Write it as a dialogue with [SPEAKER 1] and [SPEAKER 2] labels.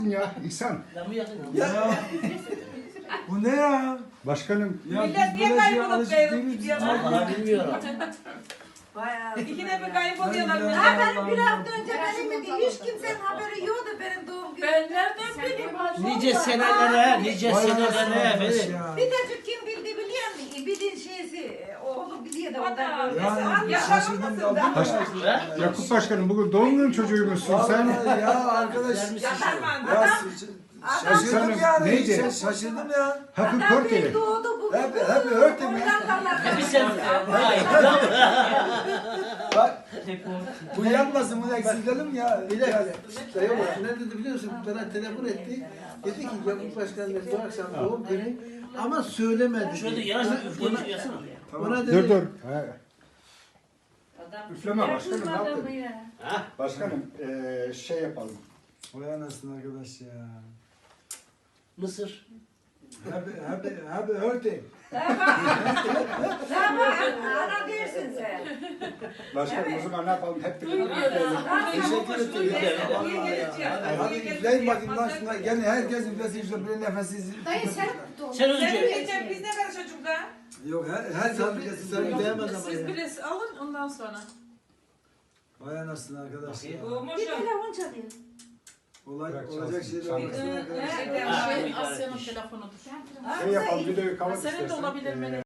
[SPEAKER 1] Ya İhsan.
[SPEAKER 2] Ya. Bu ne ya?
[SPEAKER 1] Başkanım.
[SPEAKER 2] Ya
[SPEAKER 3] Millet
[SPEAKER 2] biz
[SPEAKER 3] niye
[SPEAKER 2] böyle şeye
[SPEAKER 3] kaybolup
[SPEAKER 2] alışık
[SPEAKER 3] kayıp
[SPEAKER 2] değiliz.
[SPEAKER 3] gidiyorlar?
[SPEAKER 4] Vallahi bilmiyorum.
[SPEAKER 3] Bayağı. İkine bir kayboluyorlar.
[SPEAKER 2] Ben-
[SPEAKER 3] Ha benim bir hafta önce benim de hiç kimsenin haberi yoktu benim doğum günüm. Ben nereden bileyim?
[SPEAKER 4] Nice senelere, nice
[SPEAKER 2] Vay
[SPEAKER 4] senelere
[SPEAKER 2] anasını arkadaş
[SPEAKER 4] efendim.
[SPEAKER 2] ya.
[SPEAKER 3] Bir de kim bildi biliyor musun? Bildiğin şeysi oğlu biliyor da ondan
[SPEAKER 2] Yani şaşırdım kaldım.
[SPEAKER 1] Yakup Başkanım bugün doğum günü çocuğuymuşsun sen.
[SPEAKER 2] Vallahi ya arkadaş. Ya şaşırdım yani.
[SPEAKER 1] neydi?
[SPEAKER 2] Şaşırdım ya.
[SPEAKER 1] Happy
[SPEAKER 3] Adam
[SPEAKER 1] birthday.
[SPEAKER 3] bir doğdu bugün.
[SPEAKER 2] Happy birthday mi?
[SPEAKER 4] Bir sen
[SPEAKER 2] Bak bu yanmasın bunu eksiltelim ya.
[SPEAKER 5] Bir dakika. Sayın Bakan, ne dedi biliyor musun? Bana telefon etti. Dedi ki Yakup Başkan'ın bu akşam doğum günü ama söylemedi.
[SPEAKER 4] şöyle yanaşın üflemiş yasana.
[SPEAKER 5] Ona
[SPEAKER 1] Dur
[SPEAKER 5] dedi.
[SPEAKER 1] dur. Ha. Üfleme başkanım ne yaptın?
[SPEAKER 4] Ha?
[SPEAKER 1] Başkanım şey yapalım.
[SPEAKER 2] Vay anasını arkadaş ya.
[SPEAKER 4] Mısır.
[SPEAKER 2] Happy birthday.
[SPEAKER 3] Tamam ana dersin sen.
[SPEAKER 1] Başkanım o zaman ne yapalım? Hep birlikte
[SPEAKER 2] Teşekkür ederim.
[SPEAKER 3] Niye geleceğim?
[SPEAKER 2] Hadi üfleyin bakayım lan şuna. Gene herkes üflesin şuna bir nefessiz.
[SPEAKER 6] Dayı sen
[SPEAKER 4] Sen
[SPEAKER 3] Sen
[SPEAKER 4] önce.
[SPEAKER 3] diyeceğim biz ne kadar çocuklar?
[SPEAKER 2] Yok her
[SPEAKER 5] Sen
[SPEAKER 2] üflesin.
[SPEAKER 5] bilemez ama
[SPEAKER 7] Siz
[SPEAKER 5] ya.
[SPEAKER 7] birisi alın ondan sonra.
[SPEAKER 2] Vay anasını arkadaş ya.
[SPEAKER 3] Olmuş
[SPEAKER 6] bir telefon çalıyor.
[SPEAKER 2] Olacak şeyler
[SPEAKER 1] Tamam.
[SPEAKER 2] olmasın arkadaş.
[SPEAKER 4] Ha,
[SPEAKER 7] Şey
[SPEAKER 4] bir tane
[SPEAKER 7] Asya'nın
[SPEAKER 4] iş.
[SPEAKER 7] telefonudur.
[SPEAKER 1] Şey yapalım videoyu kapat
[SPEAKER 7] Senin de
[SPEAKER 1] istersen.
[SPEAKER 7] olabilir mi?